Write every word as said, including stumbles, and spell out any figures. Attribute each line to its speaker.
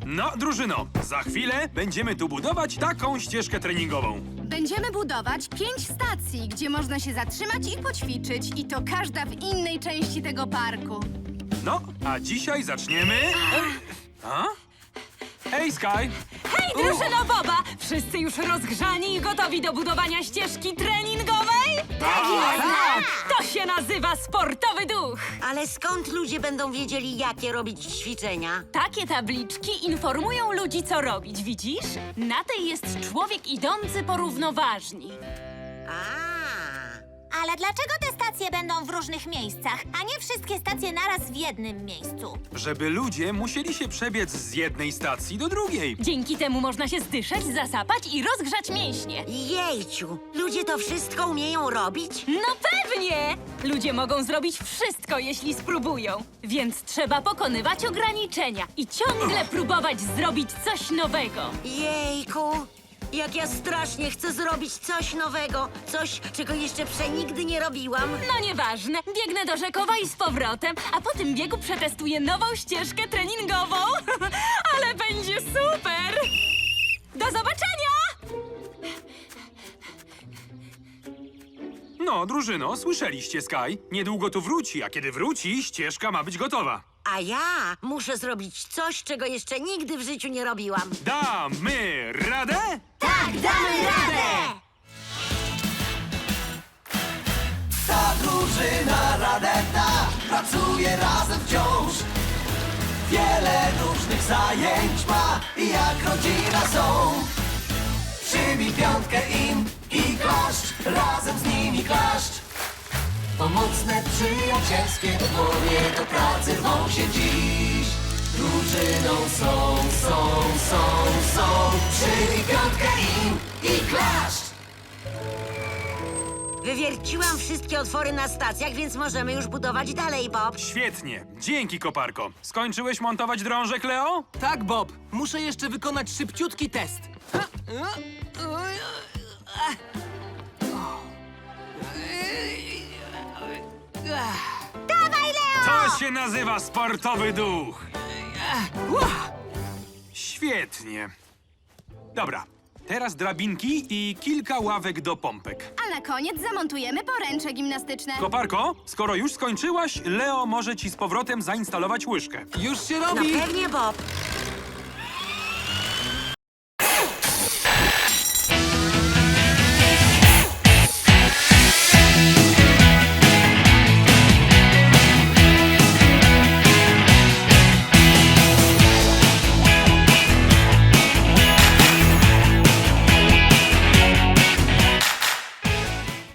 Speaker 1: No, drużyno, za chwilę będziemy tu budować taką ścieżkę treningową.
Speaker 2: Będziemy budować pięć stacji, gdzie można się zatrzymać i poćwiczyć. I to każda w innej części tego parku.
Speaker 1: No, a dzisiaj zaczniemy... A? Hej, Sky!
Speaker 3: Hej, drużyno Boba! Wszyscy już rozgrzani i gotowi do budowania ścieżki treningowej?
Speaker 1: Tak jest!
Speaker 3: Tak! To się nazywa sportowy duch!
Speaker 4: Ale skąd ludzie będą wiedzieli, jakie robić ćwiczenia?
Speaker 3: Takie tabliczki informują ludzi, co robić, widzisz? Na tej jest człowiek idący po równoważni.
Speaker 4: A,
Speaker 5: Ale dlaczego te stacje będą w różnych miejscach, a nie wszystkie stacje naraz w jednym miejscu?
Speaker 1: Żeby ludzie musieli się przebiec z jednej stacji do drugiej.
Speaker 3: Dzięki temu można się zdyszać, zasapać i rozgrzać mięśnie.
Speaker 4: jejciu, ludzie to wszystko umieją robić?
Speaker 3: No pewnie! Ludzie mogą zrobić wszystko, jeśli spróbują. Więc trzeba pokonywać ograniczenia i ciągle próbować zrobić coś nowego.
Speaker 4: Jejku, jak ja strasznie chcę zrobić coś nowego, coś, czego jeszcze przenigdy nie robiłam.
Speaker 3: No nieważne, biegnę do Rzekowa i z powrotem, a po tym biegu przetestuję nową ścieżkę treningową. Ale będzie super! Do zobaczenia!
Speaker 1: No, drużyno, słyszeliście, Sky? Niedługo tu wróci, a kiedy wróci, ścieżka ma być gotowa.
Speaker 4: A ja muszę zrobić coś, czego jeszcze nigdy w życiu nie robiłam.
Speaker 1: Damy radę?
Speaker 4: Tak, damy radę!
Speaker 6: Ta drużyna Radeta pracuje razem wciąż. Wiele różnych zajęć ma i jak rodzina są. Przybij piątkę im i klaszcz, razem z nimi klaszcz. Pomocne, przyjacielskie dłonie do pracy rwą się dziś. Drużyną są, są, są, są. Przybij piątkę im i klaszcz.
Speaker 4: Wywierciłam wszystkie otwory na stacjach, więc możemy już budować dalej, Bob.
Speaker 1: Świetnie. Dzięki, koparko. Skończyłeś montować drążek, Leo?
Speaker 7: Tak, Bob. Muszę jeszcze wykonać szybciutki test.
Speaker 1: To się nazywa sportowy duch. Świetnie. Dobra, teraz drabinki i kilka ławek do pompek.
Speaker 2: A na koniec zamontujemy poręcze gimnastyczne.
Speaker 1: Koparko, skoro już skończyłaś, Leo może ci z powrotem zainstalować łyżkę.
Speaker 7: Już się
Speaker 4: No
Speaker 7: robi!
Speaker 4: pewnie, Bob.